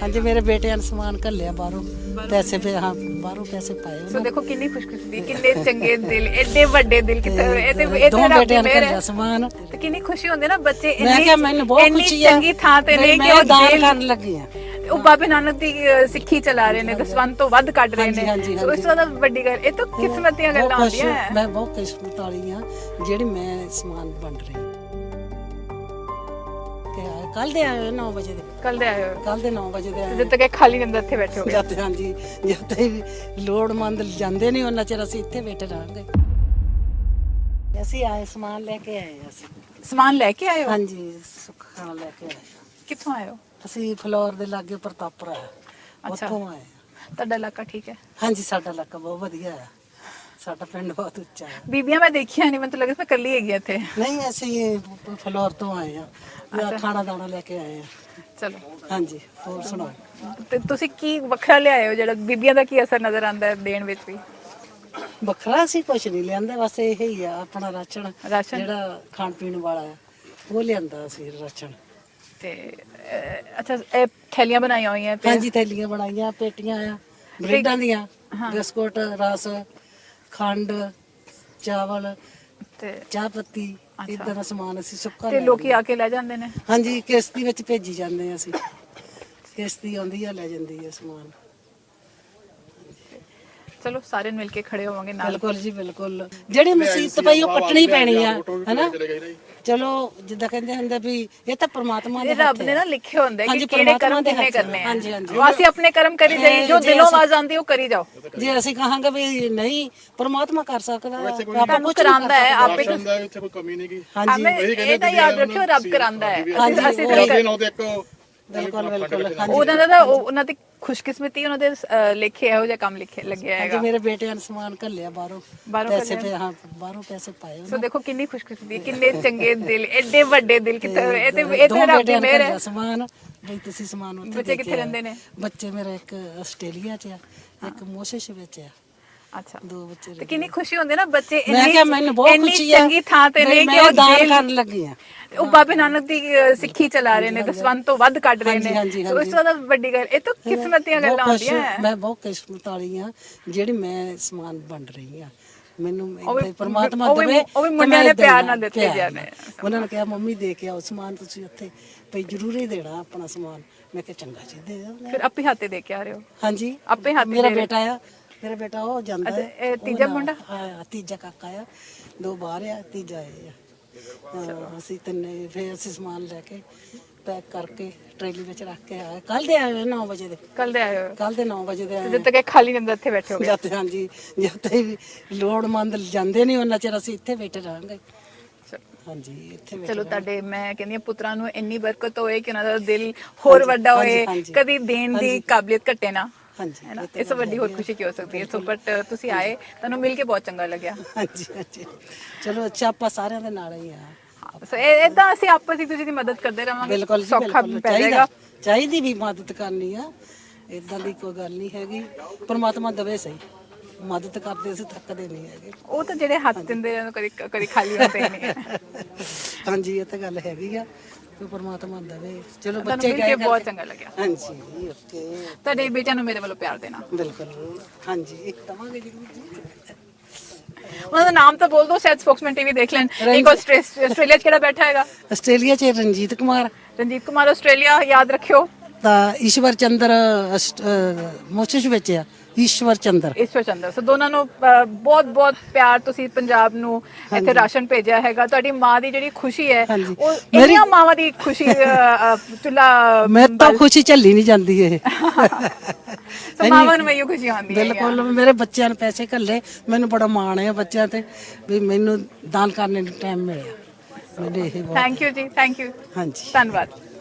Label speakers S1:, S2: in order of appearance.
S1: ਹਾਂਜੀ ਮੇਰੇ ਬੇਟਿਆਂ ਨੇ ਸਮਾਨ ਘੱਲਿਆ ਬਾਹਰੋਂ ਪੈਸੇ ਪੇ ਹਾਂ ਬਾਹਰੋਂ ਪੈਸੇ ਪਾਏ
S2: ਸੋ ਦੇਖੋ ਕਿੰਨੀ ਖੁਸ਼ਕਿਸਮਤੀ, ਕਿੰਨੇ ਚੰਗੇ ਦਿਲ, ਐਡੇ ਵੱਡੇ ਦਿਲ ਕਿਤੇ ਇਹ
S1: ਦੋ
S2: ਤੇ ਰੱਬ ਦੀ
S1: ਬੇਟਿਆਂ ਨੇ
S2: ਮਿਹਰ
S1: ਘੱਲਿਆ
S2: ਹੈ।
S1: ਸਮਾਨ।
S2: ਤੇ ਕਿੰਨੀ ਖੁਸ਼ੀ ਹੁੰਦੀ ਨਾ ਬੱਚੇ
S1: ਮੈਂ ਕਿਹਾ ਮੈਨੂੰ ਬਹੁਤ
S2: ਇੰਨੀ
S1: ਖੁਸ਼ੀ ਆ
S2: ਚੰਗੀ ਥਾਂ ਤੇ ਨੇ ਕਿ
S1: ਮੈਂ
S2: ਉਹ
S1: ਦਾਨ
S2: ਦਿਲ
S1: ਕਰਨ ਲੱਗੀ ਆ।
S2: ਉਹ ਬਾਬੇ ਨਾਨਕ ਦੀ ਸਿੱਖੀ ਚਲਾ ਰਹੇ ਨੇ, ਦਸਵੰਧ ਤੋਂ ਵੱਧ ਕੱਢ ਰਹੇ ਨੇ।
S1: ਹਾਂਜੀ,
S2: ਸੋ ਇਸ ਤੋਂ ਜ਼ਿਆਦਾ ਵੱਡੀ ਗੱਲ ਇਹ ਤਾਂ ਕਿਸਮਤ ਦੀਆਂ ਗੱਲਾਂ ਹੁੰਦੀਆਂ ਹੈ।
S1: ਮੈਂ ਬਹੁਤ ਕਿਸਮਤ ਵਾਲੀ ਆ ਜਿਹੜੀ ਮੈਂ ਸਮਾਨ ਵੰਡ ਰਹੀ ਕੱਲ ਦੇ ਆਏ 9 ਵਜੇ ਦੇ
S2: ਕੱਲ ਦੇ ਆਏ ਹੋ
S1: ਕੱਲ ਦੇ 9 ਵਜੇ ਦੇ ਆਏ
S2: ਜਦ ਤੱਕ ਇਹ ਖਾਲੀ ਨਹੀਂ ਹੁੰਦਾ ਇੱਥੇ ਬੈਠੇ ਹੋ।
S1: ਜਦ ਹਾਂਜੀ ਜਦ ਤੱਕ ਲੋੜਮੰਦ ਜਾਂਦੇ ਨਹੀਂ ਉਹਨਾਂ ਚਿਰ ਅਸੀਂ ਇੱਥੇ ਬੈਠੇ ਰਹਾਂਗੇ। ਅਸੀਂ ਆਏ ਸਮਾਨ ਲੈ ਕੇ ਆਏ ਅਸੀਂ।
S2: ਸਮਾਨ ਲੈ ਕੇ ਆਏ ਹੋ?
S1: ਹਾਂਜੀ ਸੁੱਖ ਖਾਣਾ ਲੈ ਕੇ ਆਏ।
S2: ਕਿੱਥੋਂ ਆਏ ਹੋ?
S1: ਅਸੀਂ ਫਲੋਰ ਦੇ ਲਾਗੇ ਪ੍ਰਤਾਪਰਾ ਉੱਥੋਂ ਆਏ।
S2: ਤੁਹਾਡਾ ਇਲਾਕਾ ਠੀਕ ਹੈ?
S1: ਹਾਂਜੀ ਸਾਡਾ ਇਲਾਕਾ ਬਹੁਤ ਵਧੀਆ ਹੈ। ਸਾਡਾ ਪਿੰਡ ਬਹੁਤ ਉੱਚਾ ਹੈ।
S2: ਬੀਬੀਆਂ ਮੈਂ ਦੇਖੀਆਂ ਨਹੀਂ, ਮੈਨੂੰ ਤਾਂ ਲੱਗਦਾ ਮੈਂ ਇਕੱਲੀ ਹੈਗੀ ਇੱਥੇ।
S1: ਨਹੀਂ ਅਸੀਂ ਫਲੋਰ ਤੋਂ ਆਏ ਆ। ਖਾਣਾ ਦਾਣਾ ਲੈ ਕੇ ਆਏ ਆ।
S2: ਚਲੋ
S1: ਹਾਂਜੀ ਹੋਰ ਸੁਣਾਓ।
S2: ਤੇ ਤੁਸੀਂ ਕੀ ਵੱਖਰਾ ਲਿਆਏ ਹੋ ਜਿਹੜਾ ਬੀਬੀਆਂ ਦਾ ਕੀ ਅਸਰ ਨਜ਼ਰ ਆਉਂਦਾ ਹੈ ਦੇਣ ਵਿੱਚ ਵੀ?
S1: ਵੱਖਰਾ ਅਸੀਂ ਕੁਝ ਨਹੀਂ ਲਿਆਂਦਾ, ਬਸ ਇਹ ਹੀ ਆ ਆਪਣਾ ਰਾਸ਼ਨ ਜਿਹੜਾ ਖਾਣ ਪੀਣ ਵਾਲਾ ਹੈ ਉਹ ਲਿਆਂਦਾ ਅਸੀਂ ਰਾਸ਼ਨ।
S2: ਤੇ ਅੱਛਾ ਇਹ ਥੈਲੀਆਂ ਬਣਾਈਆਂ ਹੋਈਆਂ ਤੇ
S1: ਹਾਂਜੀ ਥੈਲੀਆਂ ਬਣਾਈਆਂ, ਪੇਟੀਆਂ ਆ ਬ੍ਰੈਡਾਂ ਦੀਆਂ, ਬਿਸਕੁਟ, ਰਸ, ਖੰਡ, ਚਾਵਲ
S2: ਤੇ
S1: ਚਾਹ ਪੱਤੀ ਇਦਾਂ ਦਾ ਸਮਾਨ ਅਸੀਂ ਸੁੱਕਾ
S2: ਤੇ ਲੋਕੀ ਆ ਕੇ ਲੈ ਜਾਂਦੇ ਨੇ?
S1: ਹਾਂਜੀ ਕਿਸ਼ਤੀ ਵਿੱਚ ਭੇਜੀ ਜਾਂਦੇ ਆ ਅਸੀਂ। ਕਿਸ਼ਤੀ ਆਉਂਦੀ ਆ ਲੈ ਜਾਂਦੀ ਆ ਸਮਾਨ।
S2: ਚਲੋ ਸਾਰੇ ਮਿਲ ਕੇ ਖੜੇ ਹੋਵਾਂਗੇ ਨਾਲ।
S1: ਬਿਲਕੁਲ ਜੀ ਬਿਲਕੁਲ। ਜਿਹੜੀ ਮੁਸੀਬਤ ਪਈ ਉਹ ਕੱਟਣੀ ਪੈਣੀ ਆ ਹੈਨਾ। ਚਲੋ ਜਿੱਦਾਂ ਕਹਿੰਦੇ ਹੁੰਦੇ ਵੀ ਇਹ ਤਾਂ ਪ੍ਰਮਾਤਮਾ ਦੇ
S2: ਰੱਬ ਨੇ ਨਾ ਲਿਖੇ ਹੁੰਦੇ ਕਿ ਕਿਹੜੇ ਕਰਮ ਕਿੰਨੇ ਕਰਨੇ ਆ।
S1: ਹਾਂਜੀ ਹਾਂਜੀ
S2: ਅਸੀਂ ਆਪਣੇ ਕਰਮ ਕਰੀ ਜਾਈਏ, ਜੋ ਦਿਲੋਂ ਆਵਾਜ਼ ਆਉਂਦੀ ਉਹ ਕਰੀ ਜਾਓ।
S1: ਜੇ ਅਸੀਂ ਕਹਾਂਗੇ ਵੀ ਨਹੀਂ ਪ੍ਰਮਾਤਮਾ ਕਰ ਸਕਦਾ, ਆਪਾਂ
S2: ਕੁਝ ਕਰਾਂਦਾ ਹੈ ਆਪੇ।
S3: ਇੱਥੇ ਕੋਈ ਕਮੀ ਨਹੀਂ ਗੀ।
S1: ਹਾਂਜੀ
S2: ਇਹ ਤਾਂ ਯਾਦ ਰੱਖਿਓ ਰੱਬ ਕਰਾਂਦਾ ਹੈ। ਅਸੀਂ
S1: ਬਿਲਕੁਲ ਬਿਲਕੁਲ।
S2: ਉਹਨਾਂ ਦਾ ਉਹਨਾਂ ਦੀ ਖੁਸ਼ਕਿਸਮਤੀ, ਉਹਨਾਂ ਦੇ ਲਿਖੇ ਇਹੋ ਜਿਹਾ ਕੰਮ ਲਿਖੇ ਲੱਗਿਆ ਹੈਗਾ।
S1: ਮੇਰੇ ਬੇਟਿਆਂ ਨੇ ਸਮਾਨ ਘੱਲਿਆ ਬਾਹਰੋਂ ਪੈਸੇ ਪੇ ਹਾਂ ਬਾਹਰੋਂ ਪੈਸੇ ਪਾਏ।
S2: ਸੋ ਦੇਖੋ ਕਿੰਨੀ ਖੁਸ਼ਕਿਸਮਤੀ, ਕਿੰਨੇ ਚੰਗੇ ਦਿਲ, ਐਡੇ ਵੱਡੇ ਦਿਲ ਕਿਤੇ ਇਹ ਤੇ ਰੱਬ ਦੀ ਮਿਹਰ ਹੈ।
S1: ਸਮਾਨ ਬਈ ਤੁਸੀਂ ਸਮਾਨ ਉੱਥੇ
S2: ਬੱਚੇ ਕਿੱਥੇ ਰਹਿੰਦੇ ਨੇ?
S1: ਬੱਚੇ ਮੇਰੇ ਇੱਕ ਆਸਟ੍ਰੇਲੀਆ 'ਚ ਆ, ਇੱਕ ਮੋਸ਼ਿਸ਼ ਵਿੱਚ ਆ।
S2: ਅੱਛਾ
S1: ਦੋ ਬੱਚੇ।
S2: ਤੇ ਕਿੰਨੀ ਖੁਸ਼ੀ ਹੁੰਦੀ ਨਾ ਬੱਚੇ
S1: ਮੈਂ ਕਿਹਾ ਮੈਨੂੰ ਬਹੁਤ
S2: ਇੰਨੀ
S1: ਖੁਸ਼ੀ ਆ
S2: ਚੰਗੀ ਥਾਂ ਤੇ ਨੇ ਕਿ
S1: ਮੈਂ
S2: ਉਹ
S1: ਦਾਨ ਕਰਨ ਲੱਗੀ ਆ।
S2: ਉਹ ਬਾਬੇ ਨਾਨਕ ਦੀ ਸਿੱਖੀ ਚਲਾ ਰਹੇ ਨੇ, ਦਸਵੰਧ ਤੋਂ ਵੱਧ ਕੱਢ ਰਹੇ ਨੇ। ਸੋ ਇਸ ਤੋਂ ਜ਼ਿਆਦਾ ਵੱਡੀ ਗੱਲ ਇਹ ਤਾਂ ਕਿਸਮਤ ਦੀਆਂ ਗੱਲਾਂ ਹੁੰਦੀਆਂ ਹੈ।
S1: ਮੈਂ ਬਹੁਤ ਕਿਸਮਤ ਵਾਲੀ ਆ ਜਿਹੜੀ ਮੈਂ ਸਮਾਨ ਵੰਡ ਰਹੀ ਆ। ਮੈਨੂੰ ਪਰਮਾਤਮਾ ਦੇਵੇ।
S2: ਉਹ ਵੀ ਮੁੰਡਿਆਂ ਨੇ ਪਿਆਰ ਨਾਲ ਦਿੱਤੇ ਜਾਣੇ।
S1: ਉਹਨਾਂ ਨੇ ਕਿਹਾ ਮੰਮੀ ਦੇ ਕੇ ਆਓ ਸਮਾਨ ਤੁਸੀਂ ਉੱਥੇ ਭਈ ਜ਼ਰੂਰੀ ਦੇਣਾ ਆਪਣਾ ਸਮਾਨ। ਮੈਂ ਕਿਹਾ ਚੰਗਾ ਜੀ ਦੇ ਦਿਓ।
S2: ਫਿਰ ਆਪੇ ਹੱਥੇ ਦੇ ਕੇ ਆ ਰਹੇ ਹੋ?
S1: ਹਾਂਜੀ
S2: ਆਪੇ ਹੱਥ
S1: ਮੇਰਾ ਬੇਟਾ ਆ, ਮੇਰਾ ਬੇਟਾ ਉਹ ਜਾਂਦਾ ਹੈ।
S2: ਇਹ ਤੀਜਾ ਮੁੰਡਾ?
S1: ਤੀਜਾ ਕਾਕਾ ਆ, ਦੋ ਬਾਹਰ ਆ, ਤੀਜਾ ਇਹ ਆ। ਅਸੀਂ ਤਿੰਨੇ ਫਿਰ ਅਸੀਂ ਸਮਾਨ ਲੈ ਕੇ ਪੈਕ ਕਰਕੇ ਟਰੇਲੀ ਵਿੱਚ ਰੱਖ ਕੇ ਆਏ। ਕੱਲ ਦੇ ਆਏ 9 ਵਜੇ ਦੇ
S2: ਕੱਲ ਦੇ ਆਏ ਹੋ?
S1: ਕੱਲ ਦੇ 9 ਵਜੇ ਦੇ ਆਏ।
S2: ਜਦ ਤੱਕ ਇਹ ਖਾਲੀ ਨਹੀਂ ਹੁੰਦਾ ਇੱਥੇ ਬੈਠੇ ਹੋ?
S1: ਜਦ ਹਾਂਜੀ ਜਦ ਤੱਕ ਲੋੜਮੰਦ ਜਾਂਦੇ ਨਹੀਂ ਉਹਨਾਂ ਚਿਰ ਅਸੀਂ ਇੱਥੇ ਬੈਠੇ ਰਹਾਂਗੇ। ਹਾਂਜੀ ਇੱਥੇ
S2: ਚਲੋ ਤੁਹਾਡੇ ਮੈਂ ਕਹਿੰਦੀ ਹਾਂ ਪੁੱਤਰਾਂ ਨੂੰ ਇੰਨੀ ਬਰਕਤ ਹੋਏ ਕਿ ਉਹਨਾਂ ਦਾ ਦਿਲ ਹੋਰ ਵੱਡਾ ਹੋਏ, ਕਦੀ ਦੇਣ ਦੀ ਕਾਬਲੀਅਤ ਘਟੇ ਨਾ।
S1: ਹਾਂਜੀ
S2: ਹੈ ਨਾ, ਇਸ ਤੋਂ ਵੱਡੀ ਹੋਰ ਖੁਸ਼ੀ ਕੀ ਹੋ ਸਕਦੀ ਹੈ। ਸੋ ਬਟ ਤੁਸੀਂ ਆਏ, ਤੁਹਾਨੂੰ ਮਿਲ ਕੇ ਬਹੁਤ ਚੰਗਾ ਲੱਗਿਆ।
S1: ਹਾਂਜੀ ਹਾਂਜੀ ਚਲੋ ਅੱਛਾ ਆਪਾਂ ਸਾਰਿਆਂ ਦੇ ਨਾਲ ਹੀ ਆ।
S2: ਸੋ ਇਦਾਂ ਅਸੀਂ ਆਪਸ ਵਿੱਚ ਤੁਸੀਂ ਦੀ ਮਦਦ ਕਰਦੇ ਰਹਾਂਗੇ।
S1: ਬਿਲਕੁਲ
S2: ਸੌਖਾ ਪੈ ਜਾਏਗਾ।
S1: ਚਾਹੀਦੀ ਵੀ ਮਦਦ ਕਰਨੀ ਆ, ਇਦਾਂ ਦੀ ਕੋਈ ਗੱਲ ਨਹੀਂ ਹੈਗੀ। ਪਰਮਾਤਮਾ ਦਵੇ ਸਹੀ, ਮਦਦ ਕਰਦੇ ਅਸੀਂ ਥੱਕਦੇ ਨਹੀਂ ਹੈਗੇ। ਉਹ
S2: ਤਾਂ ਜਿਹੜੇ ਹੱਥ ਦਿੰਦੇ ਆ ਕਦੀ ਕਦੀ ਖਾਲੀ ਹੁੰਦੇ ਨਹੀਂ ਹੈ।
S1: ਹਾਂਜੀ ਇਹ ਤਾਂ ਗੱਲ ਹੈਗੀ ਆ। ਤੇ ਪਰਮਾਤਮਾ ਦਵੇ। ਚਲੋ
S2: ਬੱਚੇ
S1: ਬੱਚੇ
S2: ਮਿਲ ਕੇ ਬਹੁਤ ਚੰਗਾ ਲੱਗਿਆ।
S1: ਹਾਂਜੀ ਓਕੇ।
S2: ਤੁਹਾਡੇ ਬੇਟਿਆਂ ਨੂੰ ਮੇਰੇ ਵੱਲੋਂ ਪਿਆਰ ਦੇਣਾ।
S1: ਬਿਲਕੁਲ ਹਾਂਜੀ ਦਵਾਂਗੇ ਜ਼ਰੂਰ ਜੀ।
S2: ਉਹਨਾਂ ਦਾ ਨਾਮ ਤਾਂ ਬੋਲ ਦੋ, ਸ਼ਾਇਦ ਸਪੋਕਸਮੈਨ ਟੀਵੀ ਦੇਖ ਲੈਣ। ਇੱਕ ਆਸਟ੍ਰੇਲੀਆ 'ਚ ਕਿਹੜਾ ਬੈਠਾ ਹੈਗਾ?
S1: ਆਸਟ੍ਰੇਲੀਆ 'ਚ ਰਣਜੀਤ ਕੁਮਾਰ।
S2: ਰਣਜੀਤ ਕੁਮਾਰ ਆਸਟ੍ਰੇਲੀਆ, ਯਾਦ ਰੱਖਿਓ।
S1: ਤਾਂ ਈਸ਼ਵਰ ਚੰਦਰ ਮੋਸ਼ਿਸ਼ ਵਿੱਚ ਆ। ਈਸ਼ਵਰ ਚੰਦਰ
S2: ਸੋ ਦੋਨਾਂ ਨੂੰ ਬਹੁਤ ਬਹੁਤ ਪਿਆਰ। ਤੁਸੀਂ ਪੰਜਾਬ ਨੂੰ ਇੱਥੇ ਰਾਸ਼ਨ ਭੇਜਿਆ ਹੈਗਾ। ਤੁਹਾਡੀ ਮਾਂ ਦੀ ਜਿਹੜੀ ਖੁਸ਼ੀ ਹੈ ਉਹ ਇੰਨੀਆਂ ਮਾਵਾਂ ਦੀ ਖੁਸ਼ੀ ਚੁੱਲਾ
S1: ਮੈਂ ਤਾਂ ਖੁਸ਼ੀ ਝੱਲੀ ਨਹੀਂ ਜਾਂਦੀ ਇਹ।
S2: ਸੋ ਮਾਵਾਂ ਨੂੰ ਮੈਨੂੰ ਖੁਸ਼ੀ ਆਉਂਦੀ ਹੈ।
S1: ਬਿਲਕੁਲ ਮੇਰੇ ਬੱਚਿਆਂ ਨੇ ਪੈਸੇ ਘੱਲੇ, ਮੈਨੂੰ ਬੜਾ ਮਾਣ ਹੈ ਬੱਚਿਆਂ ਤੇ ਵੀ ਮੈਨੂੰ ਦਾਨ ਕਰਨ ਦਾ ਟਾਈਮ ਮਿਲਿਆ। ਮੈਨੂੰ ਇਹ ਬਹੁਤ
S2: ਥੈਂਕ ਯੂ ਜੀ, ਥੈਂਕ ਯੂ।
S1: ਹਾਂਜੀ
S2: ਧੰਨਵਾਦ।